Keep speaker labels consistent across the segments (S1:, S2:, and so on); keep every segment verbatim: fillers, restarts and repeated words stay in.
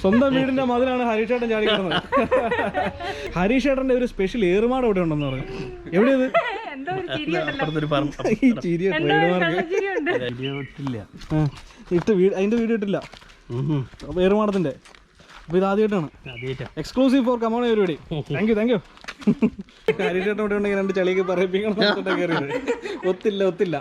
S1: സ്വന്തം വീടിന്റെ മതിലാണ് ഹരീഷ് ഏട്ടൻ ചാടി കിടന്നത്. ഹരീഷ് ഏട്ടന്റെ ഒരു സ്പെഷ്യൽ ഏറുമാട് ഇവിടെ ഉണ്ടെന്ന് പറഞ്ഞു. എവിടെയത്? ഈ ചിരിയ ഇട്ട് വീട് അതിന്റെ വീഡിയോ ഇട്ടില്ല ഏറുമാടത്തിന്റെ. അപ്പൊ ഇത് ആദ്യമായിട്ടാണ് എക്സ്ക്ലൂസീവ് ഫോർ കമോൺ പരിപാടി. Thank you thank you. Harish ഏട്ടൻ ഇവിടെ ഉണ്ടെങ്കിൽ രണ്ട് ചളിയൊക്കെ പറയിപ്പിക്കണം. കയറിയത് ഒത്തില്ല ഒത്തില്ല.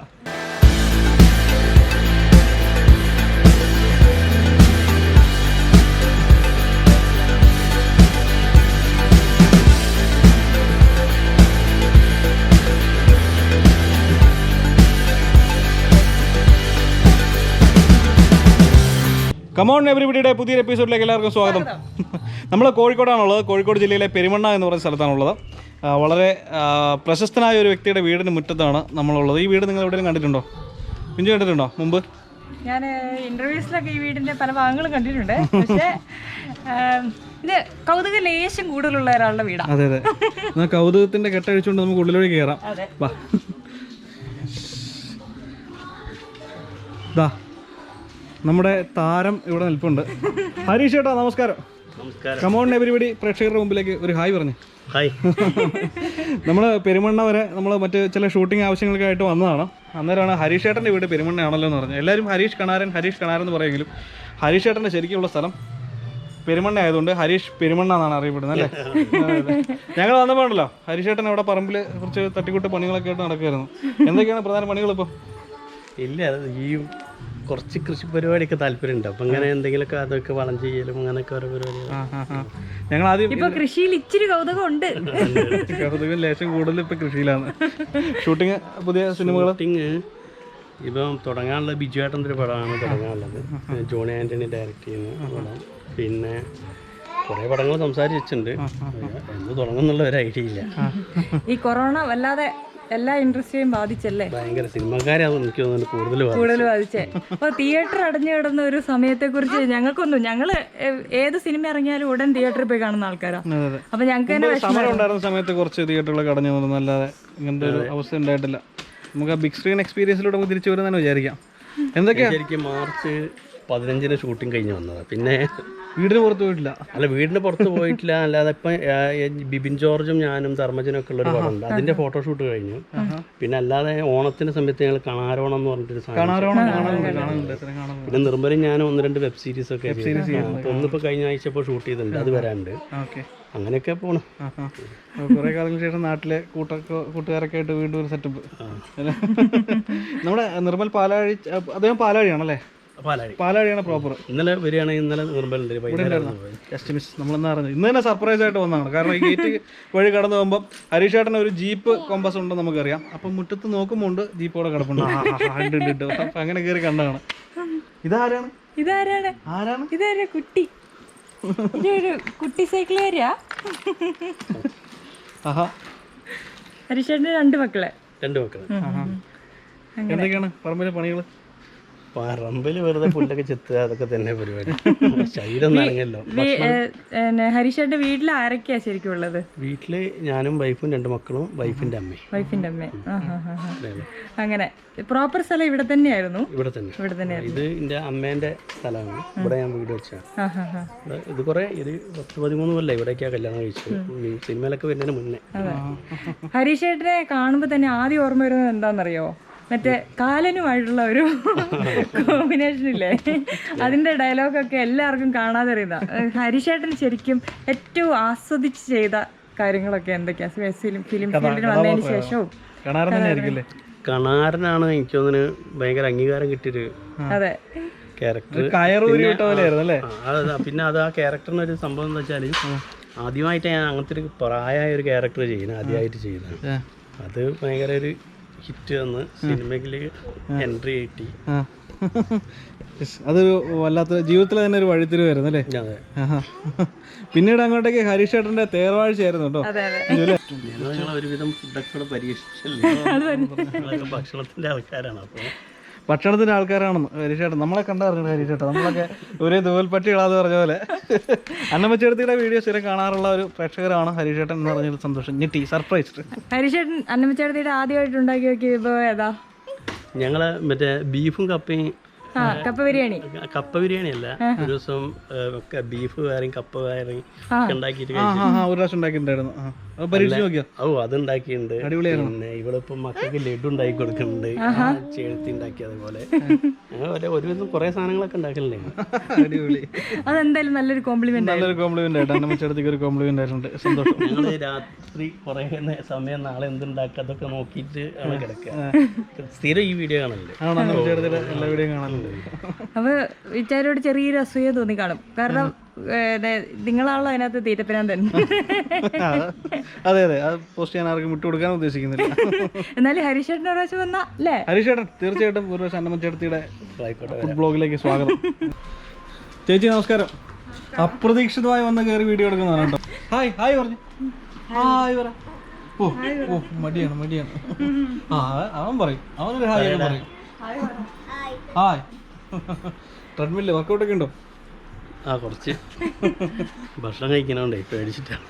S1: കമോൺ എവരിബഡിയുടെ പുതിയൊരു എപ്പിസോഡിലേക്ക് എല്ലാവർക്കും സ്വാഗതം. നമ്മൾ കോഴിക്കോടാണുള്ളത്. കോഴിക്കോട് ജില്ലയിലെ പെരുമണ്ണ എന്ന് പറയുന്ന സ്ഥലത്താണുള്ളത്. വളരെ പ്രശസ്തനായ ഒരു വ്യക്തിയുടെ വീടിന് മുറ്റത്താണ് നമ്മളുള്ളത്. ഈ വീട് നിങ്ങൾ എവിടെയും കണ്ടിട്ടുണ്ടോ? പിഞ്ചു കണ്ടിട്ടുണ്ടോ മുമ്പ്?
S2: ഞാൻ ഇന്റർവ്യൂസിലൊക്കെ ഈ വീടിന്റെ പല ഭാഗങ്ങളും കണ്ടിട്ടുണ്ട്. പക്ഷേ ഇത് കൗതുക ലേശം കൂടുതലുള്ള ഒരാളുടെ വീടാണ്.
S1: അതെ അതെ. എന്നാൽ കൗതുകത്തിന്റെ കെട്ടഴിച്ചുകൊണ്ട് നമുക്ക് ഉള്ളിലൂടെ കയറാം. വാ. ദാ നമ്മുടെ താരം ഇവിടെ നിൽപ്പുണ്ട്. ഹരീഷ് ഏട്ടാ നമസ്കാരം. കമോൺ എവരിബഡി പ്രേക്ഷകരുടെ മുമ്പിലേക്ക് ഒരു ഹായ് പറഞ്ഞു.
S3: ഹായ്.
S1: നമ്മൾ പെരുമണ്ണ വരെ നമ്മൾ മറ്റ് ചില ഷൂട്ടിംഗ് ആവശ്യങ്ങൾക്കായിട്ട് വന്നതാണ്. അന്നേരമാണ് ഹരീഷ് ഏട്ടൻ്റെ വീട് പെരുമണ്ണയാണല്ലോ എന്ന് പറഞ്ഞു. എല്ലാവരും ഹരീഷ് കണാരൻ ഹരീഷ് കണാരൻ എന്ന് പറയുമെങ്കിലും ഹരീഷ് ഏട്ടൻ്റെ ശരിക്കുള്ള സ്ഥലം പെരുമണ്ണ ആയതുകൊണ്ട് ഹരീഷ് പെരുമണ്ണ എന്നാണ് അറിയപ്പെടുന്നത് അല്ലേ? ഞങ്ങൾ വന്നപ്പോഴല്ലോ ഹരീഷ് ഏട്ടൻ അവിടെ പറമ്പിൽ കുറച്ച് തട്ടിക്കൂട്ട് പണികളൊക്കെ ആയിട്ട് നടക്കുമായിരുന്നു. എന്തൊക്കെയാണ് പ്രധാന പണികൾ ഇപ്പോൾ?
S3: ഇല്ല, ഈ കുറച്ച് കൃഷി പരിപാടിയൊക്കെ താല്പര്യമുണ്ട്. അപ്പൊ അങ്ങനെ എന്തെങ്കിലുമൊക്കെ അതൊക്കെ വളം ചെയ്യലും അങ്ങനെയൊക്കെ ഓരോ പരിപാടികൾ.
S1: ഞങ്ങൾ ആദ്യം
S2: ഇപ്പൊ കൃഷിയിൽ ഇച്ചിരി കൗതുകം ഉണ്ട്.
S1: കൗതുകം ലേശം കൂടുതൽ ഇപ്പൊ കൃഷിയിലാണ്. ഷൂട്ടിങ് പുതിയ സിനിമകൾ
S3: ഷൂട്ടിങ് ഇപ്പം തുടങ്ങാനുള്ള ബിജു ഏട്ടൻ്റെ ഒരു പടമാണ് തുടങ്ങാനുള്ളത്. ജോണി ആന്റണി ഡയറക്റ്റ് ചെയ്യുന്ന പടം. പിന്നെ കുറെ പടങ്ങൾ സംസാരിച്ചിട്ടുണ്ട്. എന്ന് തുടങ്ങുന്നുള്ള ഒരു ഐഡിയ ഇല്ല.
S2: ഈ കൊറോണ വല്ലാതെ എല്ലാ ഇൻഡസ്ട്രിയെയും ബാധിച്ചല്ലേ?
S3: ഭയങ്കര സിനിമക്കാരാണ് എനിക്ക് തോന്നുന്നു കൂടുതൽ
S2: കൂടുതൽ ബാധിച്ചേ. അപ്പൊ തിയേറ്റർ അടഞ്ഞു കിടന്ന ഒരു സമയത്തെ കുറിച്ച് ഞങ്ങൾക്കൊന്നും, ഞങ്ങള് ഏത് സിനിമ ഇറങ്ങിയാലും ഉടൻ തിയേറ്ററിൽ പോയി കാണുന്ന ആൾക്കാരാണ്. അപ്പൊ ഞങ്ങൾക്ക് തന്നെ
S1: സമരം ഉണ്ടായിരുന്ന സമയത്ത് കുറച്ച് തിയേറ്ററുകളൊക്കെ അടഞ്ഞു പോകുന്നു. അല്ലാതെ ഇങ്ങനത്തെ ഒരു അവസ്ഥ ഉണ്ടായിട്ടില്ല. നമുക്ക് ആ ബിഗ് സ്ക്രീൻ എക്സ്പീരിയൻസിലൂടെ നമുക്ക് തിരിച്ചു വരുന്നതാണ് വിചാരിക്കാം. എന്തൊക്കെയാ
S3: ശരിക്കും മാർച്ച് പതിനഞ്ചിന് ഷൂട്ടിംഗ് കഴിഞ്ഞ് വന്നതാണ്. പിന്നെ
S1: വീടിന് പുറത്ത് പോയിട്ടില്ല.
S3: അല്ല, വീടിന് പുറത്ത് പോയിട്ടില്ല. അല്ലാതെ ഇപ്പം ബിബിൻ ജോർജും ഞാനും ധർമ്മജനും ഒക്കെ ഉള്ളൊരു പടമുണ്ട്. അതിന്റെ ഫോട്ടോഷൂട്ട് കഴിഞ്ഞു. പിന്നെ അല്ലാതെ ഓണത്തിന്റെ സമയത്ത് ഞങ്ങൾ കണാരോണം എന്ന് പറഞ്ഞിട്ടൊരു സാധനം, പിന്നെ നിർമ്മലും ഞാനും ഒന്ന് രണ്ട് വെബ് സീരീസ് ഒക്കെ ഒന്നിപ്പോ കഴിഞ്ഞ ആഴ്ച ഇപ്പോൾ ഷൂട്ട് ചെയ്തിട്ടുണ്ട്. അത് വരാനുണ്ട്. അങ്ങനെയൊക്കെ പോണു.
S1: കുറെ കാലങ്ങൾക്ക് ശേഷം നാട്ടിലെ കൂട്ട കൂട്ടുകാരൊക്കെ ആയിട്ട് വീണ്ടും ഒരു സെറ്റപ്പ്. നമ്മുടെ നിർമ്മൽ പാലാഴി, അദ്ദേഹം പാലാഴിയാണല്ലേ? പാലാഴിയാണ് പ്രോപ്പർ.
S3: ഇന്നലെ വരികയാണെങ്കിൽ ഇന്നലെ നിർമ്മലുണ്ട്.
S1: Just miss. നമ്മളെന്നാ അറിഞ്ഞത് ഇന്ന് തന്നെ സർപ്രൈസ് ആയിട്ട് വന്നതാണ്. കാരണം ഈ ഗേറ്റ് വഴി കടന്നു പോകുമ്പോൾ ഹരീഷ് ഏട്ടന് ഒരു ജീപ്പ് കോമ്പസ് ഉണ്ടെന്ന് നമുക്കറിയാം. അപ്പം മുറ്റത്ത് നോക്കുമ്പോൾ ഉണ്ട് ജീപ്പ് അവിടെ കിടപ്പുണ്ട്. അപ്പം അങ്ങനെ കയറി കണ്ടതാണ്. ഇതാരാണ്?
S2: ഇതാരാണ്
S1: ആരാണ്
S2: ഇതാരാ? കുട്ടി, ഇതൊരു കുട്ടി സൈക്കിളുകാരിയാ.
S1: ആഹാ.
S2: ഹരീഷേട്ടൻ്റെ രണ്ട് മക്കളെ
S3: രണ്ട് മക്കളെ.
S1: എന്തൊക്കെയാണ് പറമ്പിലെ പണികൾ?
S3: പറമ്പിൽ വെറുതെ പുല്ലൊക്കെ ചെത്തുക, അതൊക്കെ തന്നെ പരിപാടി. ശരീരം നനങ്ങല്ലോ.
S2: ഹരീഷേട്ടൻ്റെ വീട്ടിൽ ആരൊക്കെയാ ശരിക്കും ഉള്ളത്?
S3: വീട്ടില് ഞാനും വൈഫും രണ്ട് മക്കളും വൈഫിന്റെ അമ്മയും.
S2: വൈഫിന്റെ അമ്മയും. അങ്ങനെ പ്രോപ്പർ സ്ഥലം ഇവിടെ തന്നെയായിരുന്നു?
S3: ഇവിടെ തന്നെ ഇവിടെ തന്നെ. ഇത് എന്റെ അമ്മേന്റെ സ്ഥലമാണ്. ഇവിടെ ഞാൻ വീട് വെച്ചാണ്. ഇത് കുറെ ഒരു പത്ത് പതിമൂന്ന് കൊല്ലം ഇവിടേക്കാ കല്യാണം കഴിച്ചു. സിനിമയിലൊക്കെ വരുന്നതിന് മുന്നേ.
S2: ഹരീഷേട്ടനെ കാണുമ്പോ തന്നെ ആദ്യം ഓർമ്മ വരുന്നത് എന്താണെന്നറിയോ? മറ്റേ കാലനുമായിട്ടുള്ള ഒരു കോമ്പിനേഷൻ ഇല്ലേ? അതിന്റെ ഡയലോഗൊക്കെ എല്ലാവർക്കും കാണാതെ അറിയുന്ന. ഹരീഷേട്ടന് ശരിക്കും ഏറ്റവും ആസ്വദിച്ച് ചെയ്ത കാര്യങ്ങളൊക്കെ എന്തൊക്കെയാ ഫിലിം ഫീൽഡിൽ വന്നതിന് ശേഷവും?
S3: കണാരനാണ് എനിക്ക് തോന്നുന്നു ഭയങ്കര അംഗീകാരം കിട്ടിയൊരു ക്യാരക്ടർ. പിന്നെ അത് ആ ക്യാരക്ടറിന് ഒരു സംഭവം എന്ന് വെച്ചാൽ ആദ്യമായിട്ട് ഞാൻ അങ്ങനത്തെ ഒരു പ്രായമായ ഒരു ക്യാരക്ടർ ചെയ്യുന്നത് ആദ്യമായിട്ട് ചെയ്യുന്നത്. അത് ഭയങ്കര ഒരു ഹിറ്റ് വന്ന് സിനിമയില് എൻട്രി കിട്ടി.
S1: അതൊരു വല്ലാത്ത ജീവിതത്തിൽ തന്നെ ഒരു വഴിത്തിരി വരുന്നു അല്ലേ? പിന്നീട് അങ്ങോട്ടേക്ക് ഹരീഷ് ഏട്ടന്റെ തേർവാഴ്ചയായിരുന്നു കേട്ടോ.
S3: ഒരുവിധം ഫുഡൊക്കെ പരീക്ഷിച്ചല്ലേ, ഭക്ഷണത്തിന്റെ ആൾക്കാരാണ്. അപ്പൊ
S1: ഭക്ഷണത്തിന്റെ ആൾക്കാരാണെന്ന് ഹരീഷേട്ടൻ നമ്മളെ കണ്ടറിഞ്ഞു. ഹരീഷേട്ടൻ നമ്മളൊക്കെ ഒരേ ദൂൽപ്പട്ടികളാന്ന് പറഞ്ഞ പോലെ അന്നമ്മച്ചേട്ടത്തിയുടെ വീഡിയോ സ്ഥിരം കാണാറുള്ള ഒരു പ്രേക്ഷകരാണ് ഹരീഷേട്ടൻ എന്ന് പറഞ്ഞൊരു സന്തോഷം. ഞെട്ടി സർപ്രൈസ്.
S2: ഹരീഷേട്ടൻ അന്നമ്മച്ചേട്ടത്തിയുടെ ആദ്യമായിട്ട് ഉണ്ടാക്കി നോക്കിയ വിഭവം ഏതാ?
S3: ഞങ്ങള് മറ്റേ ബീഫും കപ്പയും
S2: ആ കപ്പ ബിരിയാണി.
S3: കപ്പ ബിരിയാണി അല്ല, ഒരു ദിവസം ബീഫ് വേറെയും കപ്പ വേറെയും ഉണ്ടാക്കിയിട്ട്
S1: ആ ആ ഒരു പ്രാവശ്യം ഉണ്ടാക്കിയിട്ടുണ്ടായിരുന്നു. അത് പരീക്ഷിച്ച് നോക്കിയോ?
S3: ഓ അത് ഉണ്ടാക്കിയിട്ടുണ്ട്. പിന്നെ ഇവളിപ്പം മക്കൾക്ക് ലഡു ഉണ്ടാക്കി കൊടുക്കുന്നുണ്ട്, ചേർത്തി ഉണ്ടാക്കി. അതുപോലെ അങ്ങനെ ഒരുവിധം കുറെ സാധനങ്ങളൊക്കെ ഉണ്ടാക്കലുണ്ട്.
S1: അടിപൊളി.
S2: അതെന്തായാലും നല്ലൊരു കോംപ്ലിമെന്റ്.
S1: നല്ലൊരു കോംപ്ലിമെന്റ് ആയിട്ട് എന്നെ മച്ചടത്തേക്ക് ഒരു കോംപ്ലിമെന്റ് ആയിട്ടുണ്ട്. സന്തോഷം.
S3: ഞങ്ങള് രാത്രി കുറെ സമയം നാളെ എന്തുണ്ടാക്കുക അതൊക്കെ നോക്കിയിട്ട് ആണ് കിടക്കുക. സ്ഥിരം ഈ വീഡിയോ കാണലുണ്ട്.
S1: ആണോ? മച്ചടത്തിലെ എല്ലാ വീഡിയോ കാണലുണ്ട്.
S2: അപ്പൊ വിചാരോട് ചെറിയൊരു അസൂയ തോന്നി കാണും. കാരണം നിങ്ങളാണല്ലോ അതിനകത്ത് തീറ്റപ്പിനാൻ തന്നെ.
S1: അതെ അതെ, അത് പോസ്റ്റ് ചെയ്യാൻ ആർക്കും വിട്ടു കൊടുക്കാൻ ഉദ്ദേശിക്കുന്നില്ല.
S2: എന്നാലും ഹരീഷേട്ടൻ ഒരു പ്രാവശ്യം വന്നാ അല്ലേ?
S1: ഹരീഷേട്ടൻ തീർച്ചയായിട്ടും ഒരു പ്രാവശ്യം അന്നമ്മ ചേട്ടത്തിയുടെ ഫുഡ് ബ്ലോഗിലേക്ക് സ്വാഗതം. ചേച്ചി നമസ്കാരം. അപ്രതീക്ഷിതമായി വന്ന് കയറി വീഡിയോ എടുക്കുന്നതാണ് കേട്ടോ. ഹായ് ഹായ് പറഞ്ഞു. ഹായ് പറ. ഓ ഓ മടിയാണ് മടിയാണ്. ആ അവൻ പറയും, അവനൊരു ഹായ് ഒക്കെ പറയും. ഹായ്. ട്രെഡ്മില്ല് വർക്കൗട്ട് ഒക്കെ ഉണ്ടോ?
S3: ആ കുറച്ച് ഭക്ഷണം കഴിക്കണോണ്ടേ പേടിച്ചിട്ടാണ്.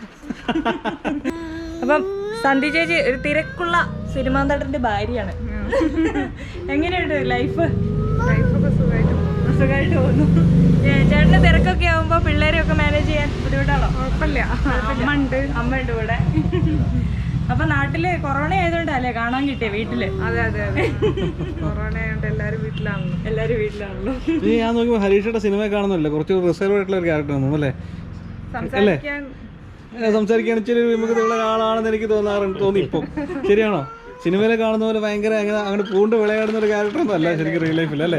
S2: അപ്പം സന്ധി ചേച്ചി ഒരു തിരക്കുള്ള സിനിമാ നടന്റെ ഭാര്യയാണ്. എങ്ങനെയുണ്ട് ലൈഫ്? ലൈഫൊക്കെ സുഖമായിട്ട് സുഖമായിട്ട് പോകുന്നു. ചേട്ടന് തിരക്കൊക്കെ ആവുമ്പോ പിള്ളേരെയൊക്കെ മാനേജ് ചെയ്യാൻ ബുദ്ധിമുട്ടാണോ? കുഴപ്പമില്ല, അമ്മ ഉണ്ട് അമ്മ ഉണ്ട് ഇവിടെ. അപ്പൊ നാട്ടില് കൊറോണ ആയതുകൊണ്ടല്ലേ കാണാൻ കിട്ടിയ വീട്ടില്? അതെ അതെ അതെ, കൊറോണ ആയതുകൊണ്ട് എല്ലാരും വീട്ടിലാണല്ലോ. എല്ലാരും വീട്ടിലാണല്ലോ.
S1: ഞാൻ നോക്കുമ്പോ ഹരീഷയുടെ സിനിമ കാണുന്നില്ല, കുറച്ച് റിസർവ് ആയിട്ടുള്ള ഒരു ക്യാരക്ടർ തോന്നുന്നു അല്ലേ? അല്ലേ? സംസാരിക്കാൻ ഇച്ചിരി വിമുഖതയുള്ള ഒരാളാണെന്ന് എനിക്ക് തോന്നാറുണ്ട്, തോന്നി ഇപ്പം. ശരിയാണോ? സിനിമയിലെ കാണുന്ന പോലെ ഭയങ്കര അങ്ങനെ അങ്ങോട്ട് പൂണ്ട് വിളയാടുന്ന ഒരു ക്യാരക്ടർ ഒന്നും അല്ല ശരിക്കും റിയൽ ലൈഫിൽ അല്ലേ?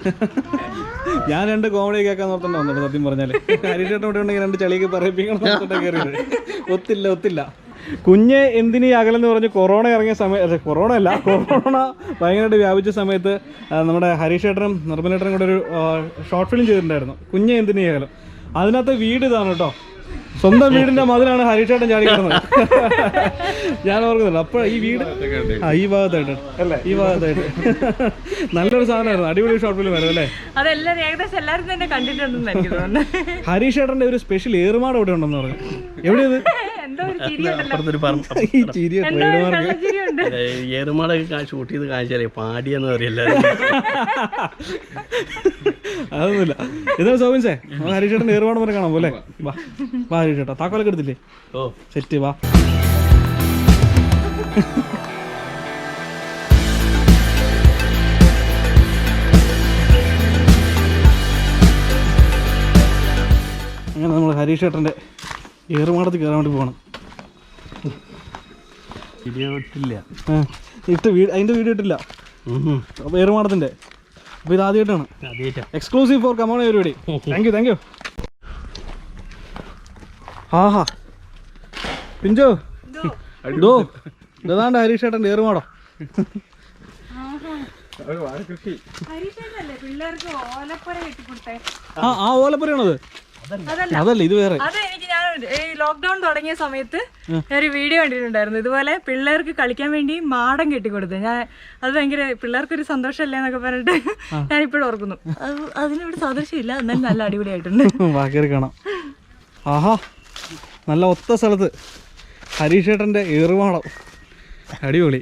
S1: ഞാൻ രണ്ട് കോമഡി കേൾക്കാൻ നോർത്തന്നെ വന്നിട്ട് സത്യം പറഞ്ഞാല്. ഹരീഷേട്ടൻ ഇവിടെ ഉണ്ടെങ്കിൽ രണ്ട് ചളിയൊക്കെ പറയിപ്പിക്കണം നോർത്തിട്ട് കയറിയത്. ഒത്തില്ല ഒത്തില്ല. കുഞ്ഞ് എന്തിനീ അകലെന്ന് പറഞ്ഞ് കൊറോണ ഇറങ്ങിയ സമയത്ത്, കൊറോണ അല്ല കൊറോണ ഭയങ്കരമായിട്ട് വ്യാപിച്ച സമയത്ത് നമ്മുടെ ഹരീഷേട്ടനും നിർമ്മലേട്ടനും കൂടെ ഒരു ഷോർട്ട് ഫിലിം ചെയ്തിട്ടുണ്ടായിരുന്നു, കുഞ്ഞ് എന്തിനീ അകലം. അതിനകത്ത് വീട് ഇതാണ് കേട്ടോ, സ്വന്തം വീടിന്റെ മതിലാണ് ഹരീഷേട്ടൻ ചാടി കിടന്നത്. ഞാൻ ഓർക്കുന്നില്ല. അപ്പോൾ ഈ വീട് ആ ഈ ഭാഗത്തായിട്ട് അല്ലേ, ഈ ഭാഗത്തായിട്ട് നല്ലൊരു സാധനമായിരുന്നു, അടിപൊളി ഷോർട്ട് ഫിലിം ആയിരുന്നു അല്ലേ?
S2: അതെല്ലാരും ഏകദേശം എല്ലാവരും തന്നെ കണ്ടിട്ടുണ്ടെന്ന് എനിക്ക് തോന്നുന്നു.
S1: ഹരീഷേട്ടന്റെ ഒരു സ്പെഷ്യൽ ഏറുമാട് ഇവിടെ ഉണ്ടെന്ന് പറഞ്ഞു. എവിടെയത്?
S3: ഏറുമാടൊക്കെ ഷൂട്ട് ചെയ്ത് കാണിച്ചാലേ പാടിയെന്ന് പറയല്ല.
S1: അതൊന്നുമില്ല. ഇതാ സോബിൻസേ, ഹരീഷേട്ടൻ ഏറുമാട് വരെ കാണാൻ പോലെ. വാ വാ ഹരീഷേട്ടാ, താക്കോലൊക്കെ എടുത്തില്ലേ?
S3: Oh
S1: set. വാ. അങ്ങനെ നമ്മൾ ഹരീഷേട്ടൻ്റെ ഏറുമാടത്തിൽ കയറാൻ വേണ്ടി പോകണം.
S3: ഇല്ല
S1: ഇട്ട് വീട് അതിൻ്റെ വീഡിയോ ഇട്ടില്ല അപ്പോൾ ഏറുമാടത്തിൻ്റെ. അപ്പോൾ ഇത് ആദ്യമായിട്ടാണ്, എക്സ്ക്ലൂസീവ് ഫോർ കമോൺ പരിപാടി. Thank you thank you. ആഹാ പിഞ്ചോ ഡോ ഇതാണ്ട് ഹരീഷേട്ടൻ്റെ ഏറുമാടം. ആ ആ ഓലപ്പുരയാണത്? അതല്ല, ഇത് വേറെ.
S2: അത് എനിക്ക് ഞാൻ ഈ ലോക്ക്ഡൌൺ തുടങ്ങിയ സമയത്ത് ഞാനൊരു വീഡിയോ കണ്ടിട്ടുണ്ടായിരുന്നു, ഇതുപോലെ പിള്ളേർക്ക് കളിക്കാൻ വേണ്ടി മാടം കെട്ടിക്കൊടുത്ത്. ഞാൻ അത് ഭയങ്കര പിള്ളേർക്കൊരു സന്തോഷമല്ലേ എന്നൊക്കെ പറഞ്ഞിട്ട് ഞാനിപ്പോഴും ഓർക്കുന്നു. അതിനൊരു സദൃശ്യമില്ല, എന്നാലും നല്ല അടിപൊളിയായിട്ടുണ്ട്.
S1: ബാക്കി കാണാം. ആഹാ നല്ല ഒത്ത സ്ഥലത്ത് ഹരീഷേട്ടൻ്റെ ഏറുമാടം, അടിപൊളി.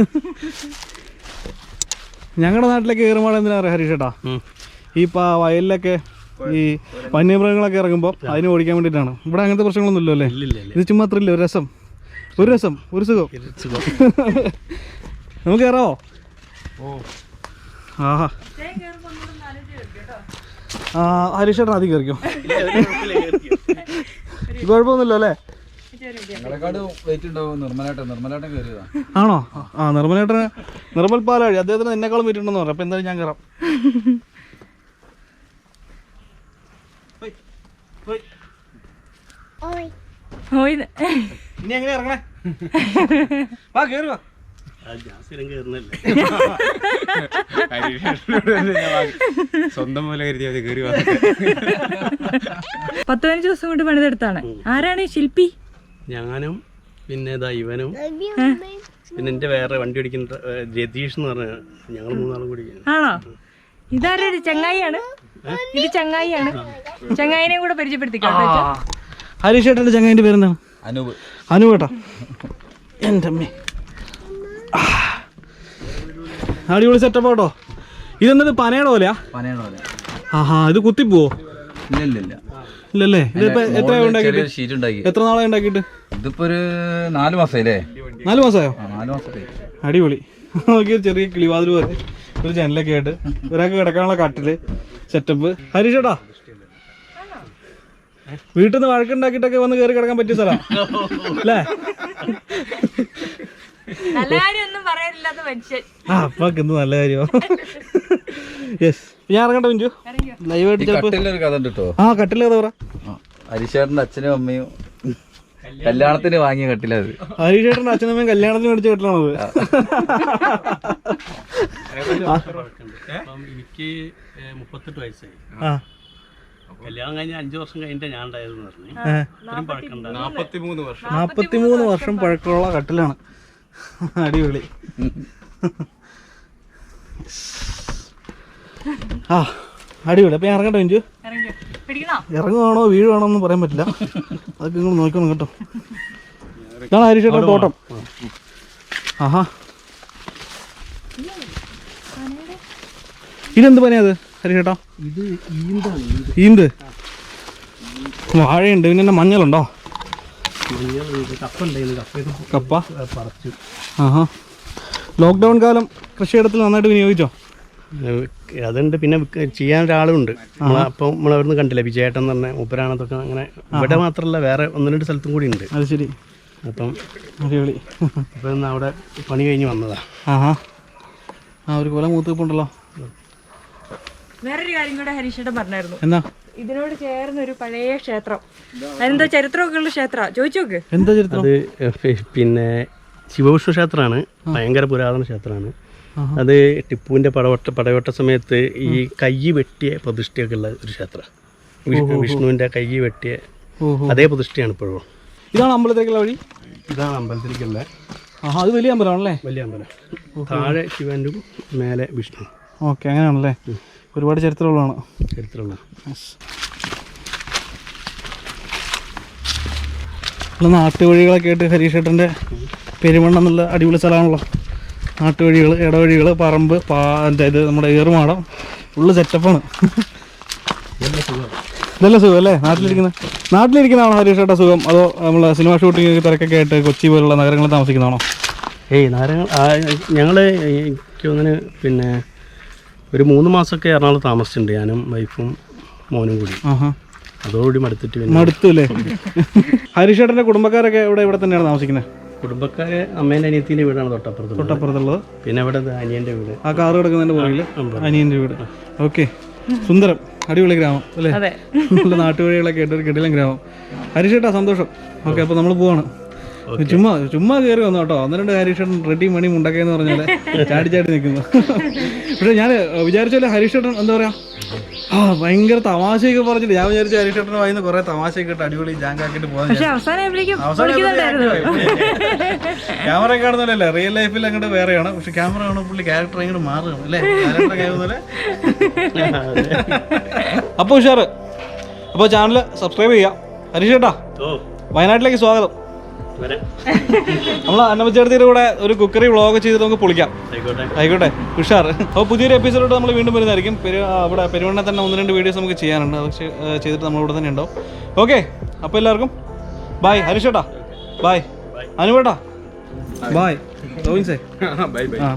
S1: ഞങ്ങളുടെ നാട്ടിലൊക്കെ ഏറുമാടം എന്തിനാ പറയുക ഹരീഷേട്ടാ? ഈ ഇപ്പം വയലിലൊക്കെ ഈ വന്യമൃഗങ്ങളൊക്കെ ഇറങ്ങുമ്പോൾ അതിന് ഓടിക്കാൻ വേണ്ടിയിട്ടാണ്. ഇവിടെ അങ്ങനത്തെ പ്രശ്നങ്ങളൊന്നും ഇല്ലല്ലോ അല്ലേ? ഇത് ചുമ്മാ അത്രയില്ല, ഒരു രസം, ഒരു രസം, ഒരു സുഖം. നമുക്ക് കയറാവോ? ആഹാ ആ ഹരീഷേട്ടൻ ആദ്യം കയറിക്കോ. കുഴപ്പമൊന്നുമില്ലോ അല്ലേ? ആണോ? ആ നിർമ്മലേട്ടന്, നിർമ്മൽ പാലാഴി, അദ്ദേഹത്തിന് എന്നെക്കാളും വെയിറ്റ് ഉണ്ടെന്ന് പറയാം. അപ്പം എന്തായാലും ഞാൻ കയറാം. ഇനി എങ്ങനെ ഇറങ്ങണേ? വാ കേറി വാ.
S4: സ്വന്തം പോലെ കരുതി കയറി വാ.
S2: പത്ത് പതിനഞ്ച് ദിവസം കൊണ്ട് പണിതെടുത്താണ്. ആരാണ് ഈ ശില്പി?
S3: ഞാനും പിന്നെ ഇവനും പിന്നെ എന്റെ വേറെ വണ്ടി ഓടിക്കുന്ന രതീഷ് എന്ന് പറഞ്ഞ ഞങ്ങൾ മൂന്നാളും കൂടി.
S2: ആണോ? ഇതാരൊരു ചങ്ങായിയാണ്? ഇത് ചങ്ങായിയാണ്. ചങ്ങായിനെ കൂടെ പരിചയപ്പെടുത്തിക്കോ.
S1: ഹരീഷേട്ടൻ്റെ ചങ്ങായിൻ്റെ പേരെന്താണ്?
S4: അനൂപ്.
S1: അനൂപേട്ടാ. എൻ്റെ അമ്മേ, അടിപൊളി സെറ്റപ്പ് കേട്ടോ. ഇതെന്നത് പനയുടെ പോലെയാ?
S5: പനയുടെ പോലെ.
S1: ആഹാ, ഇത് കുത്തിപ്പോവോ?
S5: ഇല്ല ഇല്ല ഇല്ല
S1: ഇല്ലല്ലേ. ഇതിപ്പോ എത്ര ഉണ്ടാക്കിയിട്ട്?
S5: ഷീറ്റ് ഉണ്ടാക്കി.
S1: എത്ര നാളെ ഉണ്ടാക്കിയിട്ട്?
S5: ഇതിപ്പോ ഒരു നാല് മാസമായില്ലേ?
S1: നാല് മാസമായോ?
S5: ആ, നാല് മാസമായി.
S1: അടിപൊളി. നോക്കി ചെറിയ കിളിവാതിൽ പോലെ ഒരു ജനലൊക്കെ ആയിട്ട് ഒരാൾക്ക് കിടക്കാനുള്ള കട്ടില് സെറ്റപ്പ്. ഹരീഷേട്ടാ, വീട്ടിൽ നിന്ന് വഴക്കുണ്ടാക്കിയിട്ടൊക്കെ വന്ന് കയറി കിടക്കാൻ പറ്റിയ സ്ഥലം അല്ലേ?
S2: നല്ല കാര്യമൊന്നും പറയാനില്ലാത്ത മനുഷ്യൻ.
S1: ആ, അപ്പൊക്കെ എന്ത് നല്ല കാര്യമോ. യെസ്, ഞാൻ ഇറങ്ങട്ടെ മിഞ്ചു. ലൈവായിട്ട് ചിലപ്പോ
S5: കട്ടിലൊരു കഥ ഉണ്ട് കേട്ടോ.
S1: ആ, കട്ടില് കഥ പറ.
S5: ഹരീഷേട്ടന്റെ അച്ഛനും അമ്മയും കല്യാണത്തിന് വാങ്ങിയ കട്ടിലത്.
S1: ഹരീഷേട്ടന്റെ അച്ഛനും അമ്മയും കല്യാണത്തിന് മേടിച്ച കട്ടിലാണത്.
S3: എനിക്ക് മുപ്പത്തെട്ട് വയസ്സായി.
S1: ആ,
S3: കല്യാണം കഴിഞ്ഞ അഞ്ചു വർഷം കഴിഞ്ഞിട്ട് ഞാൻ ഉണ്ടായതെന്ന് പറഞ്ഞു.
S4: നാപ്പത്തിമൂന്ന് വർഷം
S1: നാപ്പത്തിമൂന്ന് വർഷം പഴക്കമുള്ള കട്ടിലാണ്. അടിപൊളി. ആ, അടിപൊളി. അപ്പൊ ഞാൻ ഇറങ്ങട്ടെ മിഞ്ചു. ഇറങ്ങുവാണോ വീഴുവാണോ ഒന്നും പറയാൻ പറ്റില്ല. അതൊക്കെ നിങ്ങൾ നോക്കണം കേട്ടോ. ഇതാണ് ഹരീഷേട്ടൻ തോട്ടം. ആഹാ, ഇതെന്ത് പനിയാ അത് ഹരീഷേട്ടാ?
S3: ഇത് ഈന്താണ്.
S1: ഈന്ത് വാഴയുണ്ട്. പിന്നെ എന്നാ മഞ്ഞളുണ്ടോ?
S3: കപ്പ ഉണ്ടായിരുന്നു. കപ്പ
S1: കപ്പ
S3: പറിച്ചു.
S1: ആഹാ, ലോക്ക്ഡൗൺ കാലം കൃഷിയിടത്തിൽ നന്നായിട്ട് വിനിയോഗിച്ചോ?
S3: അതുണ്ട്. പിന്നെ ചെയ്യാൻ ഒരാളുണ്ട്. അപ്പം നമ്മളവിടുന്ന് കണ്ടില്ല, വിജയേട്ടൻ എന്ന് പറഞ്ഞ മൂപ്പരാണതൊക്കെ. അങ്ങനെ ഇവിടെ മാത്രമല്ല, വേറെ ഒന്ന് രണ്ട് സ്ഥലത്തും കൂടി ഉണ്ട്.
S1: അത് ശരി.
S3: അപ്പം
S1: അടിപൊളി.
S3: അപ്പം ഇന്ന് അവിടെ പണി കഴിഞ്ഞ് വന്നതാ.
S1: ആഹാ, ആ ഒരു കൊല മൂത്തിപ്പുണ്ടല്ലോ.
S2: വേറൊരു കാര്യം കൂടെ ഹരീഷേട്ടൻ പറഞ്ഞായിരുന്നു.
S1: എന്നാ?
S2: ഇതിനോട് ചേർന്ന ഒരു പഴയ ക്ഷേത്രം, അതിനെന്താ ചരിത്രമൊക്കെ ഉള്ള ക്ഷേത്ര, ചോദിച്ചു നോക്ക്.
S1: എന്താ ചരിത്രം?
S3: അത് പിന്നെ ശിവവിഷ്ണു ക്ഷേത്രമാണ്. ഭയങ്കര പുരാതന ക്ഷേത്രമാണ്. അത് ടിപ്പുവിൻ്റെ പടവട്ട പടയോട്ട സമയത്ത് ഈ കൈ വെട്ടിയ പ്രതിഷ്ഠയൊക്കെ ഉള്ള ഒരു ക്ഷേത്രം. വിഷ്ണുവിൻ്റെ കൈ വെട്ടിയ അതേ പ്രതിഷ്ഠയാണ് ഇപ്പോഴും.
S1: ഇതാണ് അമ്പലത്തിലേക്കുള്ള വഴി?
S3: ഇതാണ് അമ്പലത്തിലേക്കുള്ള.
S1: ആഹാ, അത് വലിയ അമ്പലമാണല്ലേ?
S3: വലിയ അമ്പലം. താഴെ ശിവനും മേലെ വിഷ്ണു.
S1: ഓക്കെ, അങ്ങനെയാണല്ലേ. ഒരുപാട് ചരിത്രമുള്ളതാണ്.
S3: ചരിത്രമുള്ള
S1: നാട്ടുവഴികളൊക്കെ ആയിട്ട് ഹരീഷേട്ടൻ്റെ പെരുമണ്ണ എന്നുള്ള അടിപൊളി സ്ഥലമാണല്ലോ. നാട്ടുവഴികൾ, ഇടവഴികൾ, പറമ്പ്, പാ ഇത് നമ്മുടെ ഏറുമാടം, ഫുള്ള് സെറ്റപ്പാണ്. ഇതല്ല സുഖം അല്ലേ നാട്ടിലിരിക്കുന്നത്? നാട്ടിലിരിക്കുന്നതാണോ ഹരീഷേട്ടാ സുഖം, അതോ നമ്മൾ സിനിമ ഷൂട്ടിംഗ് തിരക്കൊക്കെ ആയിട്ട് കൊച്ചി പോലുള്ള നഗരങ്ങളിൽ താമസിക്കുന്നതാണോ?
S3: ഏയ് നാരങ്ങൾ ഞങ്ങൾ എനിക്ക് തോന്നുന്നു പിന്നെ ഒരു മൂന്ന് മാസമൊക്കെ എറണാകുളത്ത് താമസിച്ചിട്ടുണ്ട്, ഞാനും വൈഫും മോനും കൂടി.
S1: ആഹാ,
S3: അതോടുകൂടി മടുത്തിട്ട് പിന്നെ
S1: മടുത്തു അല്ലേ? ഹരീഷേട്ടൻ്റെ കുടുംബക്കാരൊക്കെ ഇവിടെ ഇവിടെ തന്നെയാണ് താമസിക്കുന്നത്?
S3: കുടുംബക്കാരെ അമ്മേൻ്റെ അനിയത്തിൻ്റെ വീടാണ് തൊട്ടപ്പുറത്ത്.
S1: തൊട്ടപ്പുറത്തുള്ളത്.
S3: പിന്നെ ഇവിടെ അനിയൻ്റെ വീട്.
S1: ആ കാറ് കിടക്കുന്നതിൻ്റെ പുറകിൽ അനിയൻ്റെ വീട്. ഓക്കെ, സുന്ദരം, അടിപൊളി ഗ്രാമം അല്ലേ? നല്ല നാട്ടുവഴികളൊക്കെ ആയിട്ട് ഒരു കിടിലൻ ഗ്രാമം. ഹരീഷേട്ടാ സന്തോഷം. ഓക്കെ, അപ്പോൾ നമ്മൾ പോവാണ്. ചുമ്മാ ചുമ്മാ കയറി വന്നു കേട്ടോ. ഒന്ന് രണ്ട് ഹരീഷേട്ടൻ റെഡി മണി മുണ്ടക്കെന്ന് പറഞ്ഞാൽ ചാടി ചാടി നിൽക്കുന്നു. പക്ഷെ ഞാൻ വിചാരിച്ചാല് ഹരീഷേട്ടൻ എന്താ പറയാ, ആ ഭയങ്കര തമാശയൊക്കെ പറഞ്ഞിട്ട് ഞാൻ വിചാരിച്ചു ഹരീഷേട്ടന് വായിന്ന് കുറെ തമാശയൊക്കെ ഇട്ട് അടിപൊളി ജാങ്കാക്കിട്ട് പോകാൻ. ക്യാമറ കാണുന്നല്ലേ, റിയൽ ലൈഫിൽ അങ്ങോട്ട് വേറെയാണ്. പക്ഷെ ക്യാമറ കാണുമ്പോൾ പുള്ളി ക്യാരക്ടർ അങ്ങോട്ട് മാറുകയാണ് അല്ലേ? അപ്പോൾ ഉഷാറ്. അപ്പോൾ ചാനൽ സബ്സ്ക്രൈബ് ചെയ്യാം. ഹരീഷേട്ടാ, വയനാട്ടിലേക്ക് സ്വാഗതം. നമ്മൾ അന്നമ്മച്ചേർത്തിയുടെ കൂടെ ഒരു കുക്കറി വ്ളോഗ് ചെയ്തിട്ട് നമുക്ക് പൊളിക്കാം. ആയിക്കോട്ടെ, ഉഷാർ. അപ്പോൾ പുതിയൊരു എപ്പിസോഡ് നമ്മൾ വീണ്ടും വരുന്നതായിരിക്കും. പെരു അവിടെ പെരുവണ്ണ തന്നെ ഒന്ന് രണ്ട് വീഡിയോസ് നമുക്ക് ചെയ്യാനുണ്ട്. അത് ചെയ്തിട്ട് നമ്മളിവിടെ തന്നെ ഉണ്ടാവും. ഓക്കെ, അപ്പോൾ എല്ലാവർക്കും ബായ്. ഹരീഷേട്ടാ ബായ്. അനുവേട്ടാ bye. Govind say
S4: bye bye.
S1: ആ